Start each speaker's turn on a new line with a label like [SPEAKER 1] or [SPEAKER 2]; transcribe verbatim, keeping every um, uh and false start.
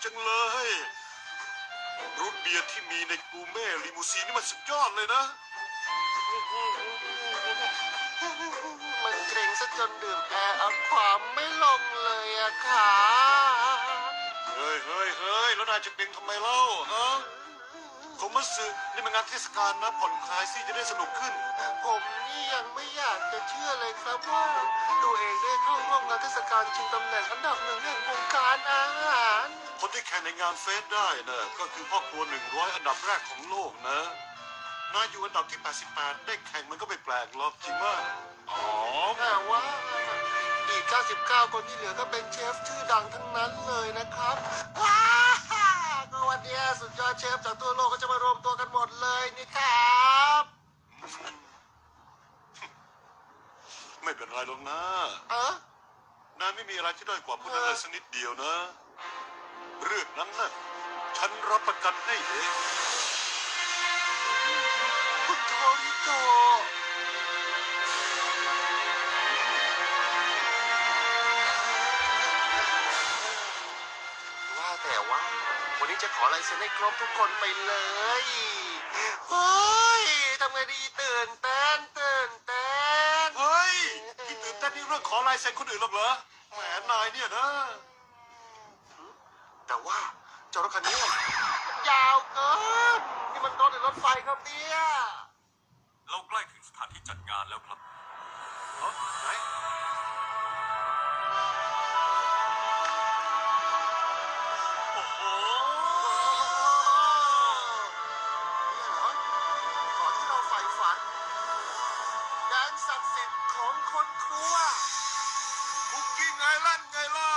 [SPEAKER 1] จังเลยรูทเบียร์ที่มีในกูเม่ลิมูซีนนี่มันสุดยอดเลยนะ
[SPEAKER 2] มันเกรงซะจนดื่มแอร์เอาความไม่ลงเลยอะค่ะ
[SPEAKER 1] เฮ้ยเฮ้ยเฮ้ยแล้วนายจะเป็นทำไมเล่าฮะโทมัสสึนี่มันงานเทศกาลนะผ่อนคลายสิจะได้สนุกขึ้น
[SPEAKER 2] ผมนี่ยังไม่อยากจะเชื่อเลยครับว่าตัวเองได้เข้าร่วมงานเทศกาลชิงตำแหน่งอันดับหนึ่งแห่งวงการอาหาร
[SPEAKER 1] คนที่แข่งในงานเฟสได้นะก็คือพ่อครัวหนึ่งร้อยอันดับแรกของโลกนะนายอยู่อันดับที่แปดสิบแปดได้แข่งมันก็ไม่แปลกหรอกจริงมากอ๋อ
[SPEAKER 2] แต่ว่าอีกเก้าสิบเก้าคนที่เหลือก็เป็นเชฟชื่อดังทั้งนั้นเลยนะครับว้าวก็วันเนี้ยสุดยอดเชฟจากทั่วโลกก็จะมารวมตัวกันหมดเลยนี่ครับ
[SPEAKER 1] ไม่เป็นไรหรอกนะ
[SPEAKER 2] เออน
[SPEAKER 1] ายไม่มีอะไรที่ด้อยกว่าพวกนั้นเลยสักนิดเดียวนะ เรื่องนั้นนะฉันรับประกันให้เอง
[SPEAKER 2] คุณโทริโกว่าแต่ว่าวันนี้จะขอลายเซ็นให้ครบทุกคนไปเลยโอ้ยทำไงดีตื่นเต้นตื่นเต้น
[SPEAKER 1] เฮ้ยที่ตื่นเต้นนี่เรื่องขอลายเซ็นคนอื่นหรอกเหรอแหมนายเนี่ยนะ
[SPEAKER 2] แต่ว่าเจ้ารถคันนี้ยาวเกินนี่มันรถหรือรถไฟครับเนี่ย
[SPEAKER 3] เราใกล้ถึงสถานที่จัดงานแล้วครับ
[SPEAKER 1] เอ้าไหนโอ้โห
[SPEAKER 2] นี่เหรอก่อนที่เราใฝ่ฝันแดนศักดิ์สิทธิ์ของคนครัว
[SPEAKER 1] คุกกี้ไงลั่นไงล่ะ